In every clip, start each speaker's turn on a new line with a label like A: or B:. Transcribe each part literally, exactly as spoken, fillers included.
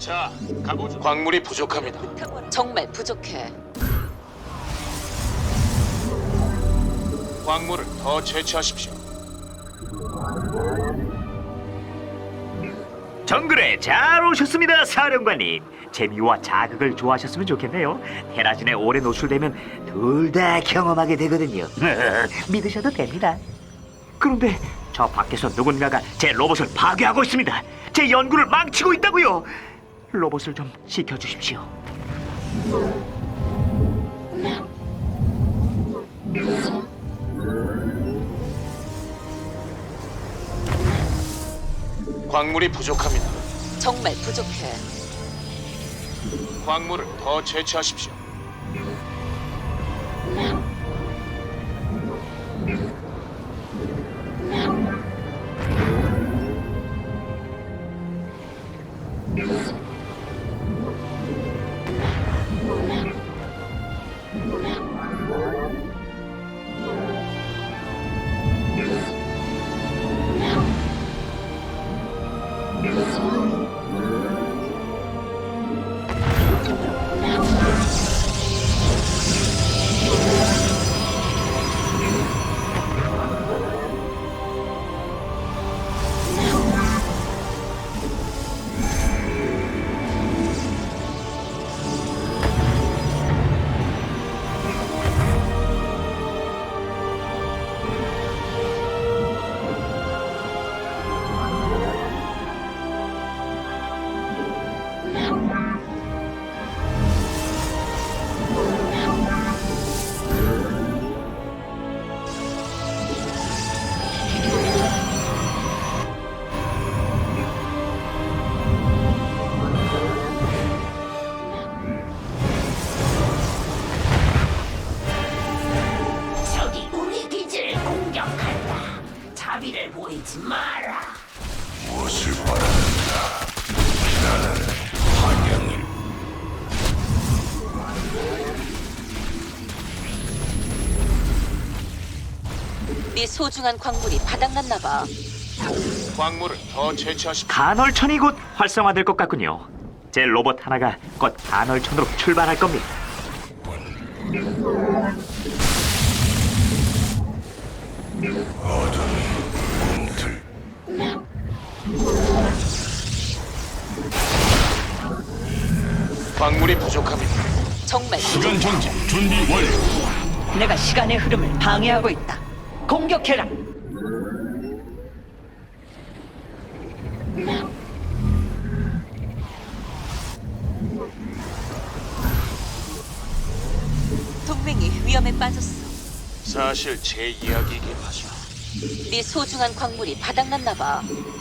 A: 자, 가보죠. 광물이 부족합니다.
B: 정말 부족해.
A: 광물을 더 채취하십시오.
C: 정글에 잘 오셨습니다, 사령관님. 재미와 자극을 좋아하셨으면 좋겠네요. 테라진에 오래 노출되면 둘 다 경험하게 되거든요. 믿으셔도 됩니다. 그런데 저 밖에서 누군가가 제 로봇을 파괴하고 있습니다. 제 연구를 망치고 있다고요. 로봇을 좀 지켜주십시오.
A: 광물이 부족합니다.
B: 정말 부족해.
A: 광물을 더 채취하십시오.
D: 적이 우리 기지를 공격한다. 자비를 보이지 마라.
E: 무엇을 바라는가? 나는 환영일.
B: 네 소중한 광물이 바닥났나 봐.
A: 광물을 더 채취하십시오.
C: 간헐천이 곧 활성화될 것 같군요. 제 로봇 하나가 곧 간헐천으로 출발할 겁니다.
E: 꿈틀.
A: 광물이 부족합니다.
B: 정말
E: 시간 정지 준비 완료.
F: 내가 시간의 흐름을 방해하고 있다. 공격해라.
B: 동맹이 위험에 빠졌어.
A: 사실 제 이야기이긴 하죠.
B: 네 소중한 광물이 바닥났나 봐.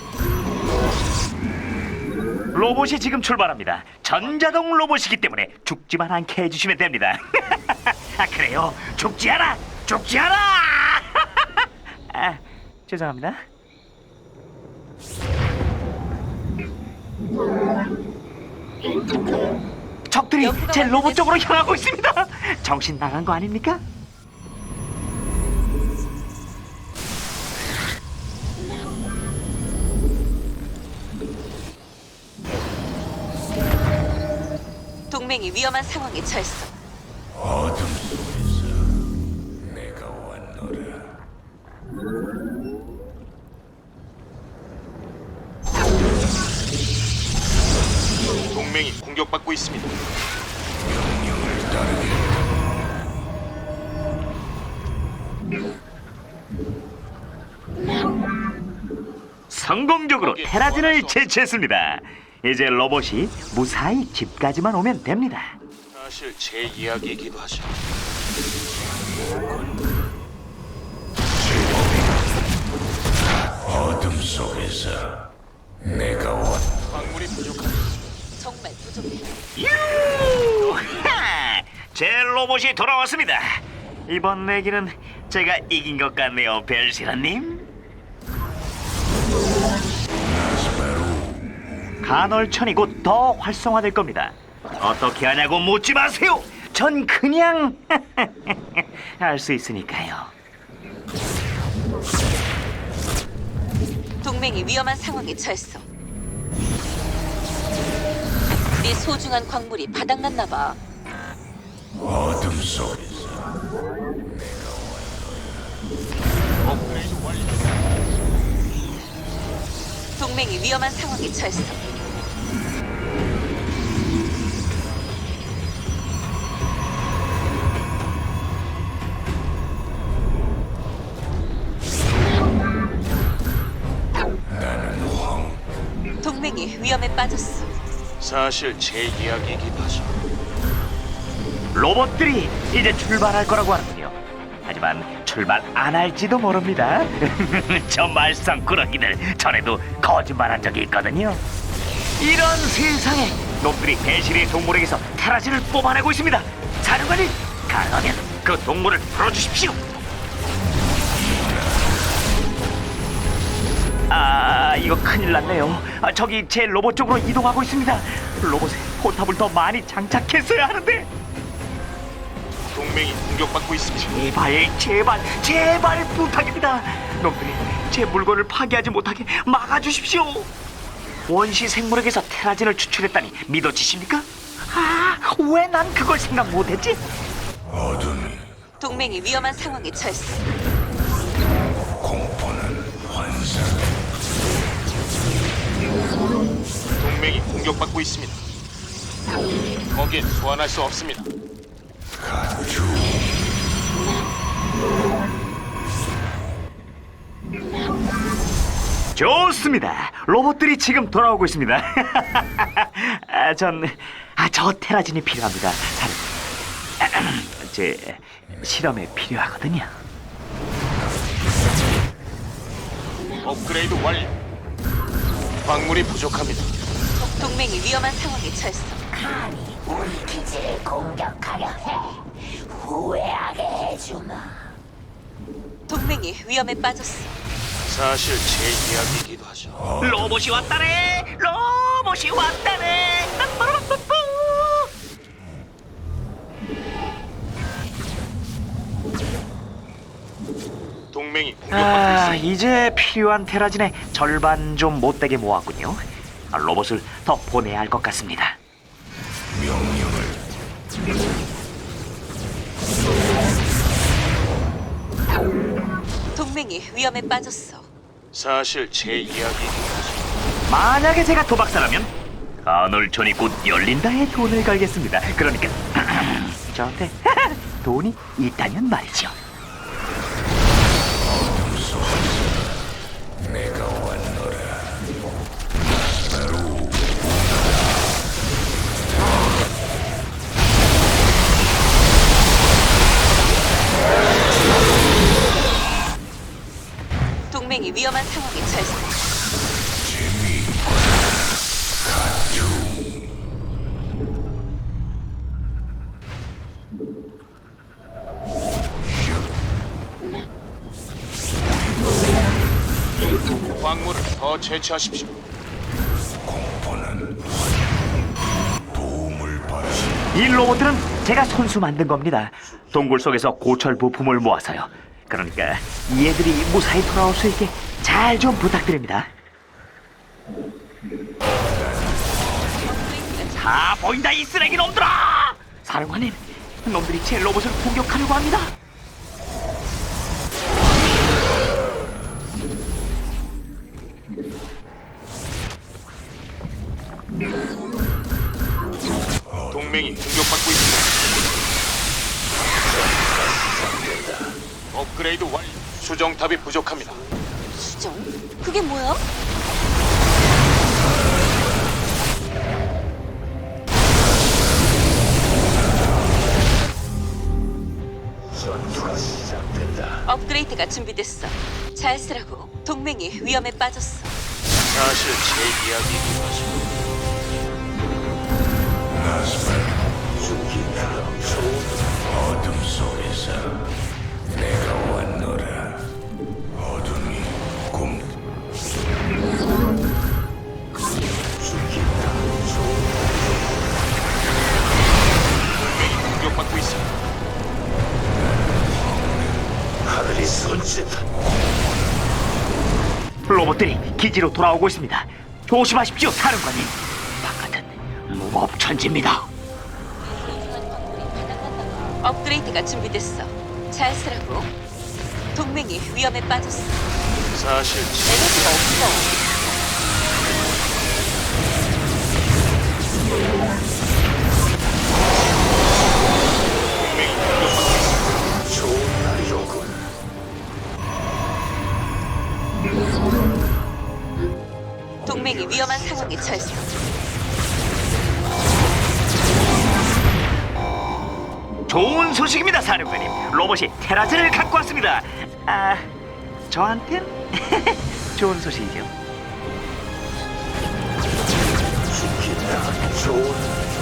C: 로봇이 지금 출발합니다. 전자동 로봇이기 때문에 죽지만 않게 해주시면 됩니다. 아, 그래요? 죽지 않아! 죽지 않아! 아, 죄송합니다. 적들이 제 로봇 쪽으로 향하고 있습니다. 정신 나간 거 아닙니까?
B: 동맹이 위험한 상황에 처했어.
E: 어둠 속에서 내가 왔노라.
A: 동맹이 공격받고 있습니다.
E: 명령을 따르겠다.
C: 성공적으로 테라진을 제치했습니다. 이제 로봇이 무사히 집까지만 오면 됩니다.
A: 사실 제 이야기이기도 하죠.
E: 어둠 속에서 내가 왔.
A: 광물이 부족합니다.
B: 정말 부족해.
C: 유하! 제 로봇이 돌아왔습니다. 이번 내기는 제가 이긴 것 같네요, 벨시라님. 간헐천이 곧 더 활성화될 겁니다. 어떻게 하냐고 묻지 마세요. 전 그냥 알 수 있으니까요.
B: 동맹이 위험한 상황에 처했어. 네 소중한 광물이 바닥났나 봐.
E: 어둠 속에서
A: 업그레이드 완료.
B: 동맹이 위험한 상황에 처했어.
E: 나는 황
B: 동맹이 위험에 빠졌어.
A: 사실 제 이야기이기도 하죠.
C: 로봇들이 이제 출발할 거라고 하는군요. 하지만 출발 안 할지도 모릅니다. 저 말썽꾸러기들 전에도 거짓말한 적이 있거든요. 이런 세상에 놈들이 배실의 동물에게서 테라진을 뽑아내고 있습니다. 사령관님, 가능하면 그 동물을 풀어주십시오. 아, 이거 큰일 났네요. 아, 저기 제 로봇 쪽으로 이동하고 있습니다. 로봇에 포탑을 더 많이 장착했어야 하는데.
A: 동맹이 공격받고 있습니다.
C: 제발, 제발, 제발 부탁입니다. 놈들이 제 물건을 파괴하지 못하게 막아주십시오. 원시 생물에게서 테라진을 추출했다니 믿어지십니까? 아, 왜 난 그걸 생각 못했지?
E: 어둠이
B: 동맹이 위험한 상황에 처했어.
E: 공포는 환상
A: 동맹이 공격받고 있습니다. 거기엔 소환할 수 없습니다.
E: 가주
C: 좋습니다. 로봇들이 지금 돌아오고 있습니다. 아, 전, 아, 저 테라진이 필요합니다. 사령, 제 실험에 필요하거든요.
A: 업그레이드 완료. 광물이 부족합니다.
B: 동맹이 위험한 상황에 처했어.
D: 감히 우리 기지를 공격하려 해. 후회하게 해주마.
B: 동맹이 위험에 빠졌어.
A: 사실 제 이야기이기도 하죠.
C: 로봇이 왔다네. 로봇이 왔다네. 빠빠라빠빠.
A: 동맹이 공격받고
C: 아,
A: 있습니다.
C: 이제 필요한 테라진의 절반 좀 못되게 모았군요. 아, 로봇을 더 보내야 할 것 같습니다.
E: 명령을
B: 동맹이 위험에 빠졌어.
A: 사실 제 이야기이기도 하죠.
C: 만약에 제가 도박사라면 간헐천이 곧 열린다에 돈을 걸겠습니다. 그러니까 저한테 돈이 있다면 말이죠.
E: 어둠 속에서 내가 왔노라. 바로
B: 동맹이 위험한 상황에 처했어.
A: 광물을 더 채취하십시오.
E: 공포는 도움을 바라시
C: 이 로봇들은 제가 손수 만든 겁니다. 동굴 속에서 고철 부품을 모아서요. 그러니까 이 애들이 무사히 돌아올 수 있게 잘 좀 부탁드립니다. 다 보인다, 이 쓰레기 놈들아! 사령관님, 놈들이 제 로봇을 공격하려고 합니다.
A: 동맹이 공격받고 있습니다. 업그레이드 완료. 수정탑이 부족합니다.
B: 수정? 그게 뭐야? 업그레이드가 준비됐어. 잘 쓰라고. 동맹이 위험에 빠졌어.
A: 사실 제 이야기이기도 하죠.
E: 나스발 어둠 속에서 내가 왔노라. 어둠이 곰
A: 동맹이 공격받고 있습니다.
E: 하늘이 손짓다.
C: 로봇들이 기지로 돌아오고 있습니다. 조심하십시오, 사령관님. 바깥은 무법천지입니다.
B: 업그레이드가 준비됐어. 잘 쓰라고. 동맹이 위험에 빠졌어.
A: 사실
B: 에너지가 없어.
A: 동맹이 공격받고 있습니다.
E: 좋은 날이로군.
B: 동맹이 위험한 상황에 처했어.
C: 좋은 소식입니다, 사령관님. 로봇이 테라즈를 갖고 왔습니다. 아, 저한텐 좋은 소식이죠.
E: 죽겠다. 좋은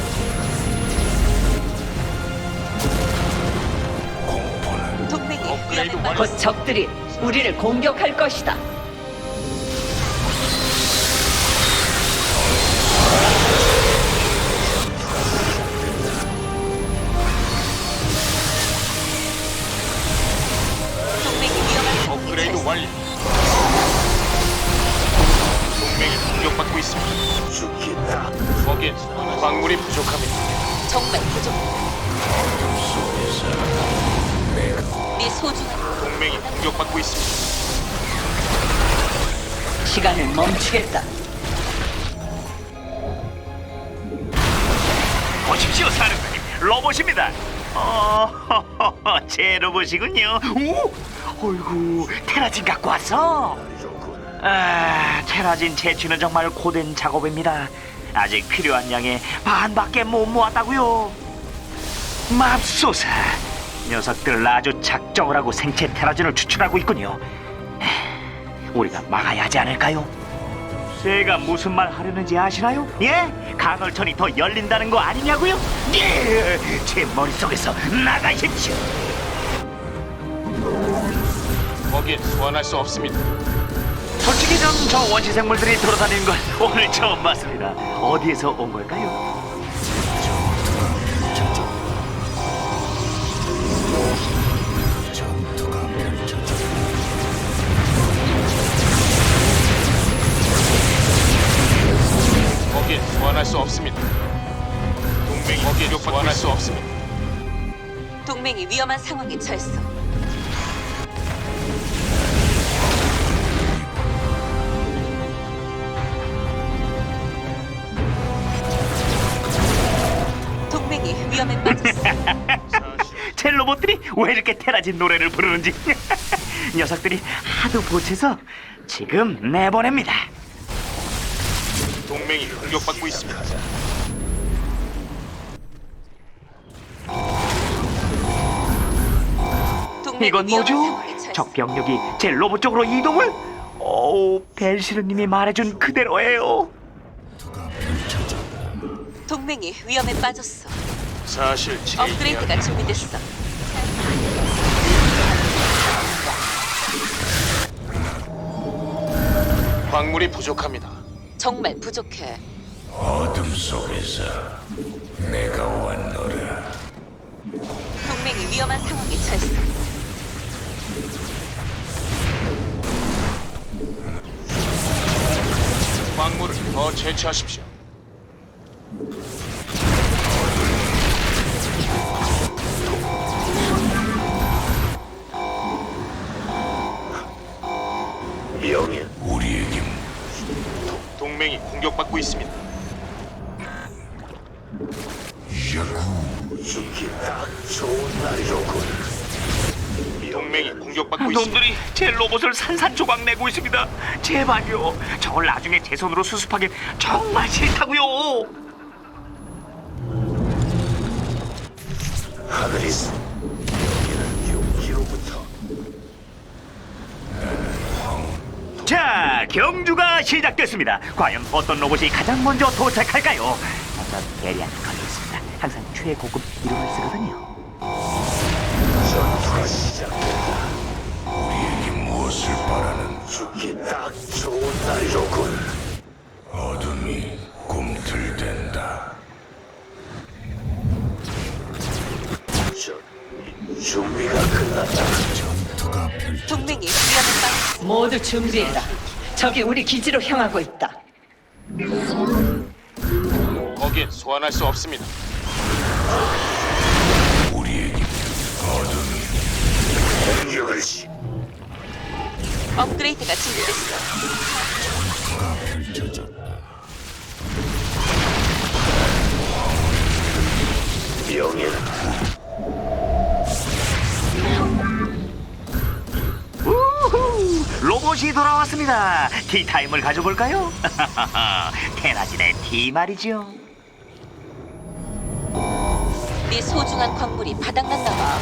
E: 공포는
B: 동맹이
A: 업그레이드
B: 위험에
A: 완료.
B: 빠졌어.
F: 곧 적들이 우리를 공격할 것이다.
B: 동맹이 위험한 상황에
A: 업그레이드
B: 처했어.
A: 완료. 동맹이 공격받고 있습니다.
E: 죽겠다.
A: 거기엔 광물이 부족합니다.
B: 정말 부족해. 네 소중한
A: 동맹이 공격받고 있습니다.
F: 시간을 멈추겠다.
C: 보십시오, 사령관님. 로봇입니다. 어, 제 로봇이군요. 오, 어이구, 테라진 갖고 왔어. 아, 테라진 채취는 정말 고된 작업입니다. 아직 필요한 양의 반밖에 못 모았다고요. 맙소사, 녀석들 아주 작정을 하고 생체 테라진을 추출하고 있군요. 에휴, 우리가 막아야 하지 않을까요? 제가 무슨 말 하려는지 아시나요? 예? 간헐천이 더 열린다는 거 아니냐고요? 예! 제 머릿속에서 나가십시오.
A: 거기엔 소환할 수 없습니다.
C: 솔직히 전 저 원시 생물들이 돌아다니는 걸 오늘 처음 봤습니다. 어디에서 온 걸까요?
E: 전투가 펼쳐져.
A: 거기엔 소환할 수 없습니다. 동맹이 거기에 소환할 수 없습니다.
B: 동맹이 위험한 상황에 처했어. 동맹이 위험에 빠졌어.
C: 제 로봇들이 왜 이렇게 테라진 노래를 부르는지 녀석들이 하도 보채서 지금 내보냅니다.
A: 동맹이 공격받고 있습니다.
B: 동맹이
C: 이건
B: 위험한
C: 뭐죠?
B: 상황에 처했어.
C: 적 병력이 제 로봇 쪽으로 이동을? 오, 벨시르님이 말해준 그대로예요.
B: 동맹이 위험에 빠졌어.
A: 사실 제 이야기
B: 업그레이드가 준비됐어.
A: 광물이 부족합니다.
B: 정말 부족해.
E: 어둠 속에서 내가 왔노라.
B: 동맹이 위험한 상황에 처했어.
A: 광물을 더 채취하십시오.
E: 명예 우리에게
A: 동맹이 공격받고 있습니다.
E: 야구 죽겠다. 좋은 날이로군.
A: 동맹이 공격받고 있습니다.
C: 놈들이 제 로봇을 산산조각 내고 있습니다. 제발요. 저걸 나중에 제 손으로 수습하기 정말 싫다고요.
E: 하늘이 쏘. 여기는 용기로부터
C: 자, 경주가 시작됐습니다. 과연 어떤 로봇이 가장 먼저 도착할까요? 먼저 대리한 걸려 있습니다. 항상 최고급 이름을 쓰거든요.
E: 전투가 시작된다. 우리에게 무엇을 바라는 죽겠다. 좋은 날이로군. 어둠이 꿈틀댄다. 전 준비가 끝났다. 전투가 펼쳐.
B: 동맹이 위험에 빠졌어.
F: 모두 준비해라. 적이 우리 기지로 향하고 있다.
A: 거기엔 거기엔 소환할 수 없습니다.
E: 우리에게
D: 공격을 시.
B: 업그레이드가 준비됐어.
E: 전투가 펼쳐졌다.
D: 명예는
C: 우후! 로봇이 돌아왔습니다. 티타임을 가져볼까요? 테라진의 티 말이죠.
B: 네 소중한 광물이 바닥났나 봐.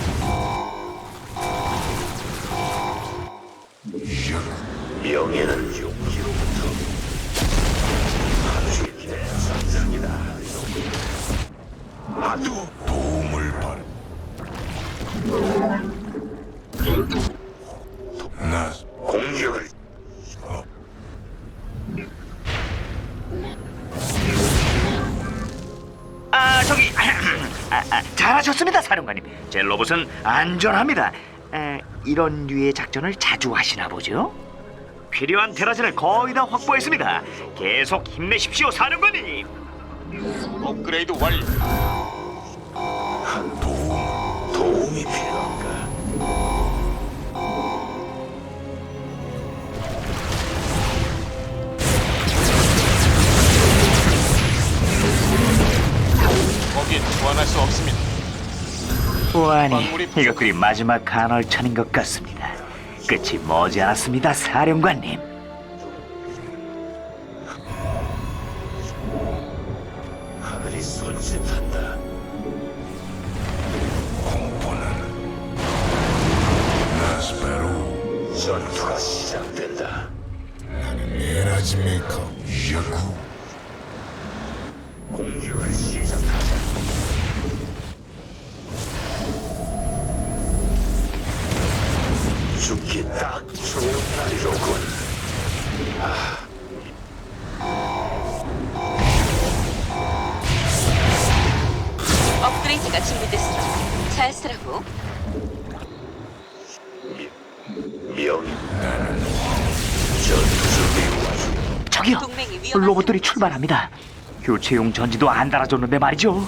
D: 명예는 용기로부터 하주의 상상이다. 아두
E: 도움을 바라. 나
D: 공격을
C: 아 저기 아, 아, 잘하셨습니다, 사령관님. 제 로봇은 안전합니다. 에, 이런 류의 작전을 자주 하시나 보죠? 필요한 테라진을 거의 다 확보했습니다. 계속 힘내십시오, 사령관님.
A: 업그레이드 완료.
D: 도움 도움이 필요한가?
A: 거기엔 소환할 수 없습니다.
C: 보아니,
A: 광물이 부족해.
C: 이것들이 마지막 간헐천인 것 같습니다. 끝이 머지않았습니다, 사령관님.
D: 하늘이 손짓한다.
E: 공포는 나스페루.
D: 전투가 시작된다.
E: 나는 에라지메이커 야쿠.
D: 공격을 시작하자. 죽기 딱 좋은 날이로군.
B: 업그레이드가 준비됐어. 잘 쓰라고.
D: 명 전투 준비 완료.
C: 저기요,
B: 동맹이 위험한
C: 로봇들이
B: 상황이지.
C: 출발합니다. 교체용 전지도 안 달아줬는데 말이죠.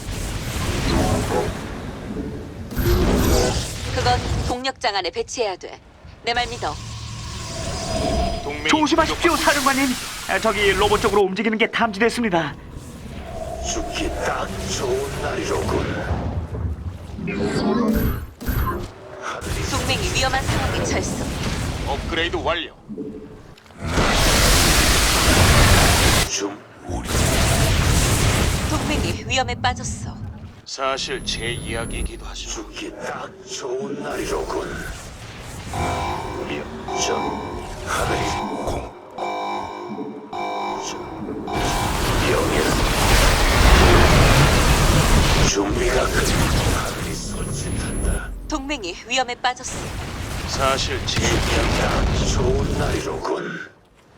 B: 그건 동력장 안에 배치해야 돼. 내 말 믿어.
A: 동맹이
C: 조심하십시오,
A: 공격받고
C: 사령관님. 아, 저기 로봇 쪽으로 움직이는 게 탐지됐습니다.
D: 죽기 딱 좋은 날이로군. 하늘이
B: 동맹이 위험한 상황에 처했어.
A: 업그레이드 완료.
D: 좀
B: 동맹이 위험에 빠졌어.
A: 사실 제 이야기이기도 하죠.
D: 죽기 딱 좋은 날이로군. 명전 하늘이 공 명예는 준비가 끝. 하늘이 손짓한다.
B: 동맹이 위험에 빠졌어.
A: 사실 제
D: 딱 좋은 날이로군.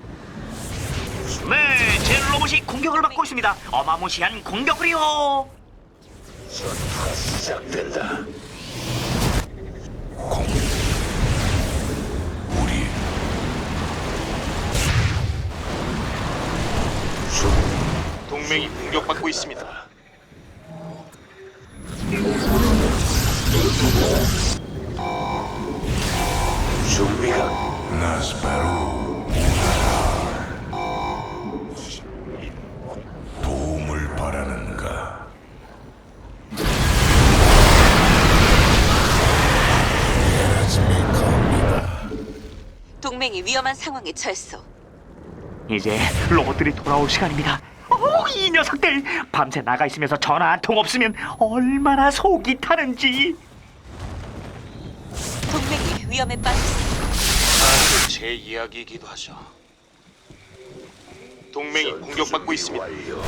C: 네, 제 로봇이 공격을 받고 있습니다. 어마무시한 공격을요.
D: 전투가 시작된다.
E: 우리
D: 준
A: 동맹이 공격받고 있습니다.
D: 준비가
E: 나스페루. 도움을 바라는가? 에라지메이커입니다.
B: 동맹이 위험한 상황에 처했어.
C: 이제 로봇들이 돌아올 시간입니다. 어, 이 녀석들 밤새 나가 있으면서 전화 한 통 없으면 얼마나 속이 타는지.
B: 동맹이 위험에 빠졌어.
A: 사실 제 이야기이기도 하죠. 동맹이 공격받고 있습니다.
D: 완료.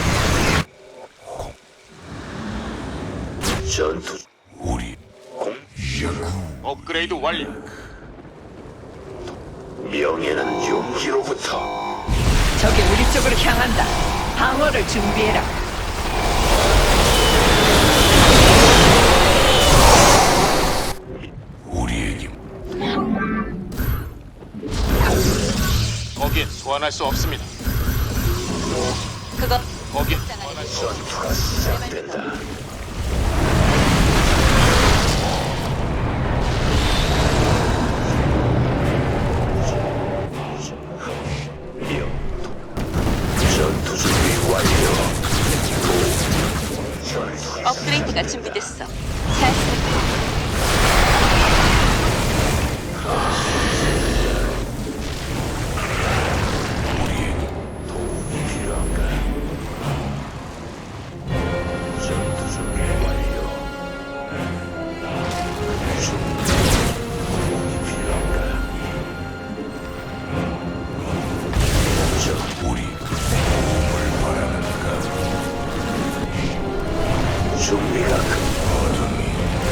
D: 전투
E: 우리
D: 공
E: 야쿠.
A: 업그레이드 완료.
D: 명예는 용기로부터.
F: 적이 우리 쪽으로 향한다. 방어를 준비해라.
E: 우리에게
A: 거기엔 소환할 수 없습니다.
B: 그건
A: 거기
D: 전투가 시작된다. 명. 전투 준비 완료. 전투가
B: 업그레이드가 준비됐어. 잘 쓰고.
D: 필요한가? 전투 준비 완료. 준비. 도움이 필요한가? 전
E: 우리 도움을 바라는가?
D: 준비가 끝.
E: 어둠이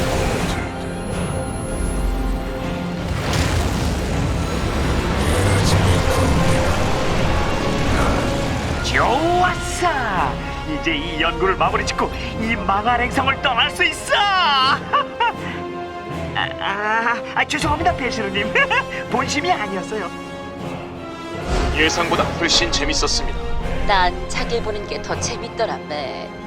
C: 좋았어. 이제 이 연구를 마무리 짓고 이 망할 행성을 떠날 수 있어. 아, 아, 아 죄송합니다, 배시루님. 본심이 아니었어요.
A: 예상보다 훨씬 재밌었습니다.
B: 난 자기 보는 게 더 재밌더라, 매.